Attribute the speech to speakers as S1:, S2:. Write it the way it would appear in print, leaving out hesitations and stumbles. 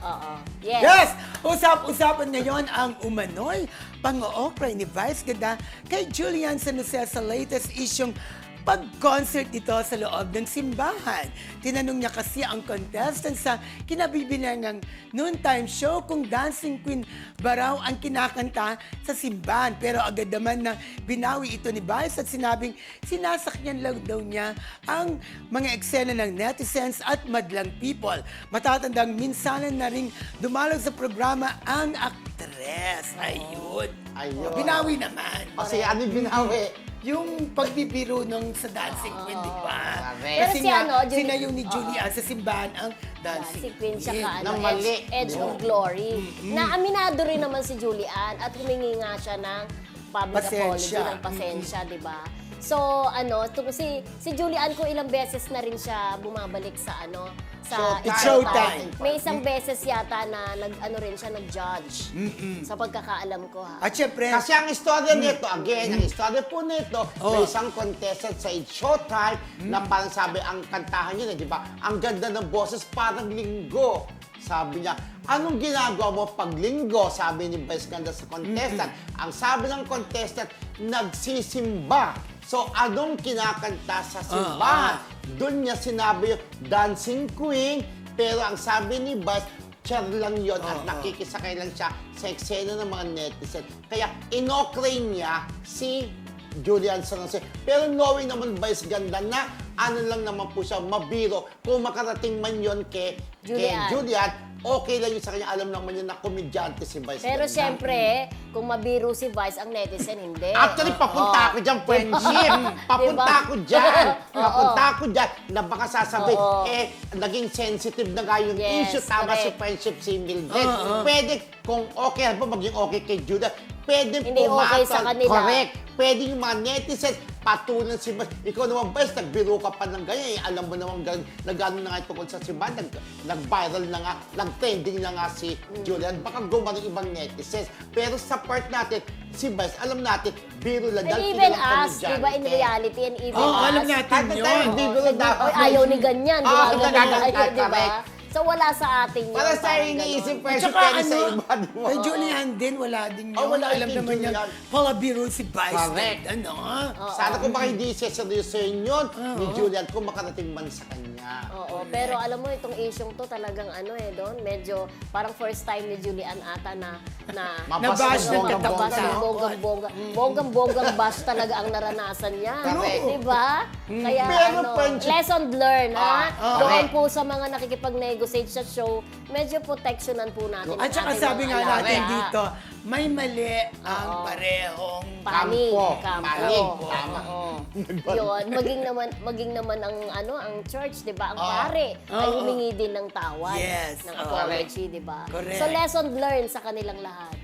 S1: Oo. Yes.
S2: Yes! Usap-usapan ngayon ang umano'y pang-oopera ni Vice Ganda kay Julian San Jose sa latest isyong pag-concert nito sa loob ng simbahan. Tinanong niya kasi ang contestant sa kinabibilang ng noontime show kung Dancing Queen ba raw ang kinakanta sa simbahan. Pero agad naman na binawi ito ni Vice at sinabing sinasakyan lang daw niya ang mga eksena ng netizens at madlang people. Matatandang minsanan na ring dumalaw sa programa ang aktres. Ayun.
S3: Ayun.
S2: Binawi naman.
S3: Kasi ano yung binawi?
S2: Yung pagbibiro nung sa Dancing Queen, di ba?
S3: Correct.
S2: Kasi
S1: Pero si
S2: nga,
S1: ano,
S2: sinayaw ni Julian sa simbahan ang Dancing
S1: Si Queen siya ka,
S3: Nang mali.
S1: Edge of Glory. Na aminado rin naman si Julian at humingi nga siya ng public apology,
S2: Pasensya.
S1: ng pasensya, di ba? So, si Julian ko ilang beses na rin siya bumabalik sa sa
S3: Showtime.
S2: Showtime.
S1: May isang beses yata na rin siya nag-judge. Sa pagkakaalam ko, ha.
S2: At syempre,
S3: Kasi ang istorya nito, again, ang istorya po nito,
S2: Oh.
S3: may isang contestant sa It's Showtime na parang sabi, ang kantahan niya, di ba? Ang ganda ng boses, parang linggo. Sabi niya, anong ginagawa mo pag linggo? Sabi ni Vice Ganda sa contestant. Ang sabi ng contestant, nagsisimba. So, anong kinakanta sa simbahan? Doon niya sinabi yung Dancing Queen, pero ang sabi ni Vice, char lang yon at nakikisakay lang siya sa eksena ng mga netizen. Kaya inokray niya si Julian San Jose. Pero knowing naman Vice Ganda na ano lang naman po siya, mabiro. Kung makarating man yon kay Julian, okay lang yun sa kanya. Alam naman yun na komedyante si Vice
S1: Pero
S3: Ganda.
S1: siyempre, kung mabiro si Vice, ang netizen, hindi.
S3: Actually, papunta ako dyan, friendship. Papunta
S1: Diba?
S3: ako dyan. Papunta ako dyan. Na baka sasabihin,
S1: Oo.
S3: naging sensitive na nga yung
S1: Yes,
S3: issue. Tama si
S1: correct.
S3: friendship si Mildred. Pwede, kung okay po, maging okay kay Judah, pwede
S1: Hindi okay sa kanila.
S3: Correct. Pwede yung mga netizens, patulan si Bas. Ikaw naman, Bas, nagbiro ka pa ng ganyan. Alam mo naman, nag-ano na nga tungkol sa simbahan, nag-viral na nga, nag-trending na nga si Julian. Baka gumawa ng ibang netizens. Pero sa part natin, si Bas, alam natin, biro lang.
S1: And
S3: dahil
S1: even
S3: kilalang
S1: us, di ba, in reality, and even
S2: Oo,
S1: us.
S2: alam natin
S3: Kahit na tayo,
S2: yun.
S3: biro lang dapat.
S1: Oy, ayaw ni ganyan.
S3: Oo,
S1: Gumagawa
S3: ganyan,
S1: tayo, di ba?
S3: correct.
S1: So, wala sa atin yun.
S3: Para sa
S1: parang
S3: iniisip,
S1: ganon.
S3: pwede pwede sa iba, di ba?
S2: kay Julian din, wala din yun.
S3: Wala
S2: Alam
S3: kay
S2: naman niya,
S3: Julian.
S2: palabiro si Vice.
S3: Correct.
S2: Ano?
S3: Sana kung baka hindi seryosoin yun ni Julian kung makarating man sa kanya.
S1: Oo, pero alam mo, itong isyong to talagang doon, medyo parang first time ni Julian ata na
S3: Mabash
S2: ng
S1: mabash ng
S2: katapusan.
S1: bonggang bash talaga ang naranasan niya.
S3: Correct.
S1: Di ba? Kaya
S3: Pero friendship-
S1: lesson learned, ha? Doon
S3: correct.
S1: po sa mga nakikipag-negotiate sa show, medyo protectionan po natin.
S2: At saka
S1: ang ating
S2: sabi
S1: mga
S2: nga
S1: alaga.
S2: natin dito, may mali ang parehong
S1: Panig,
S3: Kampo. Panig,
S1: Oo.
S3: tama.
S1: Yun, maging naman ang church, 'di ba? Ang pare ay humingi din ng tawad,
S2: Yes.
S1: ng apology, 'di ba?
S2: Correct.
S1: So lesson learned sa kanilang lahat.